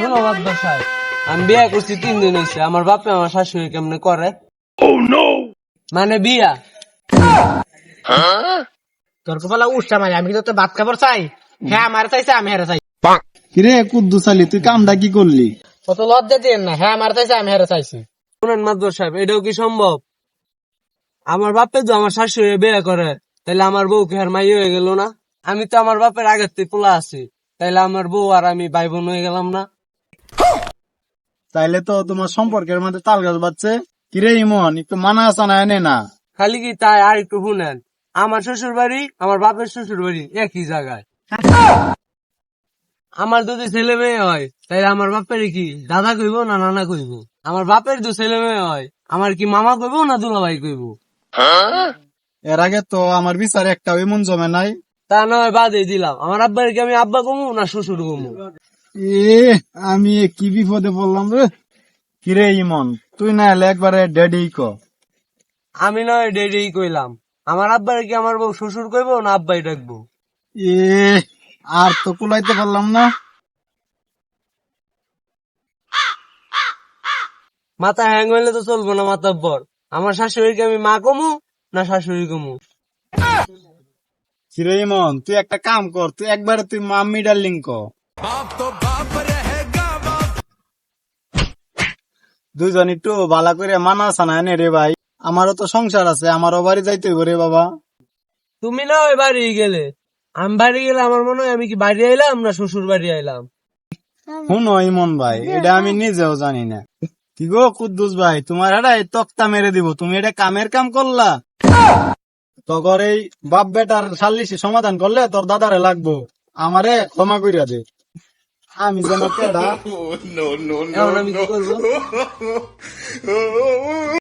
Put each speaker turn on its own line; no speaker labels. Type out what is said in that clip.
শোনো বাবা সাহেব, আমি বিয়া করছি 3 দিন হয়েছে, আমার বাপে আমার শাশুড়ি কেমনে করে মানে বিয়া।
তোর কপালে উষ্টা মারি, আমি কিন্তু তোর ভাত খাবার চাই। হ্যাঁ আমার চাইছে, আমি হেরে চাই।
কিরে কুদ্দুস আলী, তুই কামটা কি করলি?
কত লজ্জা দিয়ে না, হ্যাঁ আমার চাইছে, আমি হেরে চাইছি।
শুনেন মাদবর সাহেব, এটাও কি সম্ভব? আমার বাপে তো আমার শাশুড়ি বিয়ে করে, তাইলে আমার বউ কি আর মাই হয়ে গেল না? আমি তো আমার বাপের আগের থেকে পোলা আছি, তাইলে আমার বউ আর আমি ভাই বোন হয়ে গেলাম না?
তাইলে তো তোমার সম্পর্কের মধ্যে তাল গাছ বাজছে। কিরে ইমন, একটু মানা আসা না এনে না।
খালি কি তাই? আর একটু শুনেন, আমার শ্বশুর বাড়ি আমার বাপের শ্বশুর বাড়ি একই জায়গায়। আমার যদি ছেলে মেয়ে হয় তাইলে আমার বাপের কি দাদা কইব না নানা কইব? আমার বাপের যদি ছেলে মেয়ে হয় আমার কি মামা কইব না দুলাভাই কইব?
এর আগে তো আমার বিচারে একটা এমন জমে নাই।
তা নয় বাদে দিলাম, আমার আব্বার কি আমি আব্বা কমু না শ্বশুর কমু?
এ আমি কি বিপদে পড়লাম রে। কিরে ইমন, তুই না এলে একবারে ড্যাডি ক।
আমি নয় ডেডি কইলাম, আমার আব্বার কি আমার বউ শ্বশুর কইব না আব্বাই ডাকবো?
এ আর তো কুলাইতে পারলাম না।
মাথা হ্যাং হইলে তো চলবো না মাতাব্বর। আমার শাশুড়িকে আমি মা কমু না শাশুড়ি কমু?
কিরে ইমন, তুই একটা কাম কর, তুই একবারে তুই মাম্মি ডার্লিং ক। দুইজন একটু বালা করে মানা সানা এনে রে ভাই। আমারও তো সংসার আছে, আমারও বাড়ি যাইতে হইব রে বাবা।
তুমি না ওই বাড়ি গেলে, আমি বাড়ি গেলে আমার মনে হয় আমি কি বাড়ি আইলাম না শ্বশুর বাড়ি আইলাম?
শুনো ইমন ভাই, এটা আমি নিজেও জানি না। কি গো কুদ্দুস ভাই, তোমার এটা তক্তা মেরে দিব, তুমি এটা কামের কাম করলা। তখন এই বাপ বেটার সাল্লিশি সমাধান করলে তোর দাদারে লাগবো, আমারে ক্ষমা কইরা দে। আমি যেন কেডা।
এখন আমি কি করবো?